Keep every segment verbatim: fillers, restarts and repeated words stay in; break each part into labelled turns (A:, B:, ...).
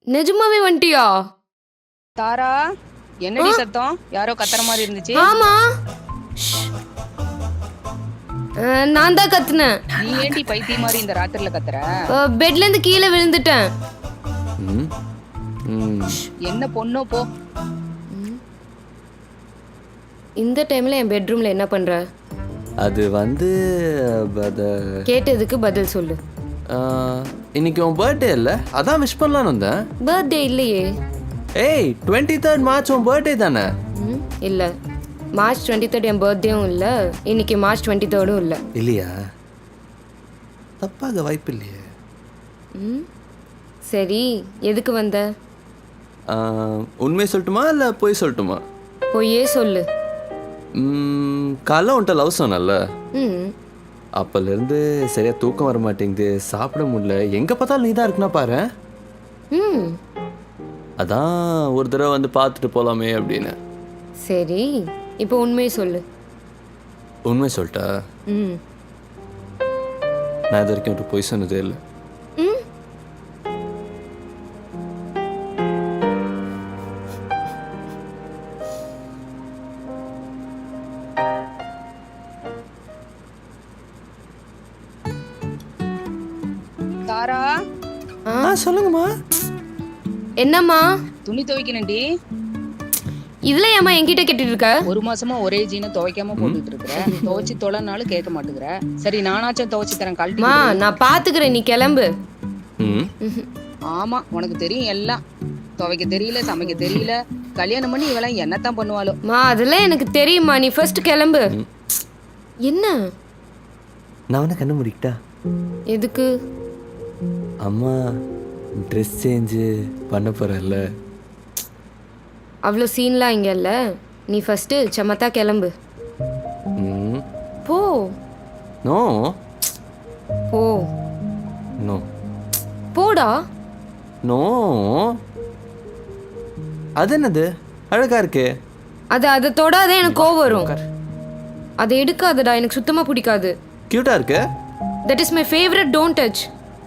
A: நிஜமாவே வந்துட்டியா?
B: தாரா, என்னடி சத்தம்? யாரோ கத்துற மாதிரி இருந்துச்சு.
A: ஆமா, அஹ், நான் தான் கத்துனேன்.
B: நீ ஏன்டி பைத்திய மாதிரி இந்த ராத்திரில கத்துற?
A: அஹ், பெட்ல இருந்து கீழே விழுந்துட்டேன்.
C: ம் ம்
B: என்ன பொண்ணோ போ.
A: இந்த டைம்ல என் பெட்ரூம்ல என்ன பண்ற?
C: அது வந்து அத
A: கேட்டதுக்கு பதில் சொல்லு.
C: ஆ, இன்னைக்கு உன் பர்த்டே இல்லை, அதான் விஷ் பண்ணலான்னு வந்தேன்.
A: பர்த்டே இல்லையே.
C: ஏய், டுவெண்ட்டி தேர்ட் மார்ச் உன் பர்த்டே தானே?
A: ம், இல்ல. மார்ச் டுவெண்ட்டி தேர்ட் என் பர்த்டேவும் இல்லை, இன்னைக்கு மார்ச் டுவெண்ட்டி தேர்டும் இல்லை.
C: இல்லையா? தப்பாக வாய்ப்பு இல்லையே.
A: ம், சரி, எதுக்கு வந்த?
C: ஆ, உண்மையை சொல்லட்டுமா இல்லை போய் சொல்லட்டுமா?
A: பொய்யே சொல்லு.
C: ம், காலைல உன்ட்ட லவ் சொன்னல,
A: ம்,
C: அப்போலேருந்து சரியா தூக்கம் வர மாட்டேங்குது, சாப்பிட முடியல, எங்கே பார்த்தாலும் நீ தான் இருக்குன்னா பாரு.
A: ம்,
C: அதான் ஒரு தடவை வந்து பார்த்துட்டு போகலாமே அப்படின்னு.
A: சரி, இப்போ உண்மையை சொல்லு.
C: உண்மை சொல்லிட்டா?
A: ம்,
C: நான் இது வரைக்கும் ஒரு பொய் சொன்னதே இல்லை.
A: ம்,
B: தாரா,
A: ஆ,
C: ஆ சொல்லுங்கம்மா.
A: என்னம்மா
B: துணி துவைக்கணும்டி.
A: இதுல ஏம்மா என்கிட்ட கேட்டுட்டு இருக்க?
B: ஒரு மாசமா ஒரே ஜீனை துவைக்காம போட்டுட்டு இருக்கிற. துவைச்சு தொலைனாலும் கேட்க மாட்டேங்கிற. சரி, நானாச்சும் துவைச்சு தரேன், கழட்டி
A: மா,
B: கொடு.
A: நான் பாத்துக்கிறேன், நீ கிளம்பு.
C: ம்
A: ம்ஹும்.
B: ஆமா, உனக்கு தெரியும் எல்லாம். துவைக்க தெரியல, சமைக்க தெரியல. கல்யாணம் பண்ணி இவெல்லாம் என்னத்தான் பண்ணுவாளோ.
A: மா, அதெல்லாம் எனக்கு தெரியுமா, நீ ஃபர்ஸ்ட் கிளம்பு. என்ன?
C: நான் உன்னை கண்ணு முடிக்கிட்டா?
A: எதுக்கு?
C: அம்மா ட்ரெஸ் சேஞ்சு பண்ண போகிறல்ல.
A: அவ்வளோ சீன்லாம் இங்கே இல்லை. நீ ஃபஸ்ட்டு சமத்தா கிளம்பு.
C: ம்
A: போ
C: நோ
A: போ
C: நோ
A: போடா.
C: நோ. அது என்னது அழகா இருக்கு?
A: அது அதை தொடாதே, எனக்கு கோவம் வரும். அதை எடுக்காதடா, எனக்கு சுத்தமாக பிடிக்காது.
C: க்யூட்டா இருக்கு.
A: That is my favourite, don't touch.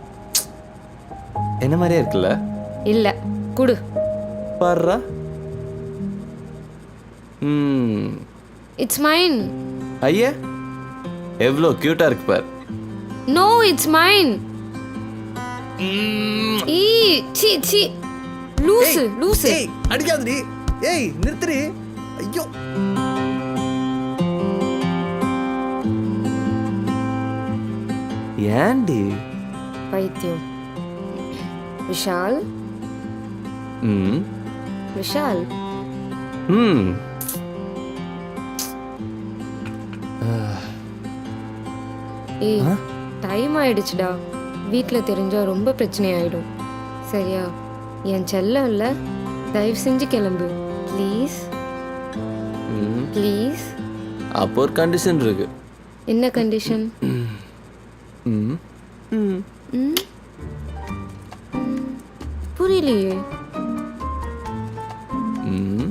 C: என்ன மாதிரியே இருக்குல்ல?
A: இல்லை, குடு.
C: பாருடா. ம்
A: இட்ஸ் மைன்.
C: ஐயா, எவ்வளோ க்யூட்டா இருக்கு பார்.
A: No, it's mine. ஈ சி சி லூசு லூசு.
C: ஏய் அடிக்காதடி. ஏய் நிறுத்துடி. ஐயோ. ஏண்டி?
A: பைத்தியம். விஷால்,
C: ம்
A: விஷால்,
C: ம்
A: ஏய் டைம் ஆயிடுச்சுடா. வீட்டில் தெரிஞ்சா ரொம்ப பிரச்சனை ஆயிடும். சரியா? என் செல்லம் இல்லை, தயவு செஞ்சு கிளம்பு ப்ளீஸ்
C: ம்
A: ப்ளீஸ்.
C: அப்போ ஒரு கண்டிஷன் இருக்கு.
A: என்ன கண்டிஷன்?
C: ம் ம்
A: ம், புரியலையே.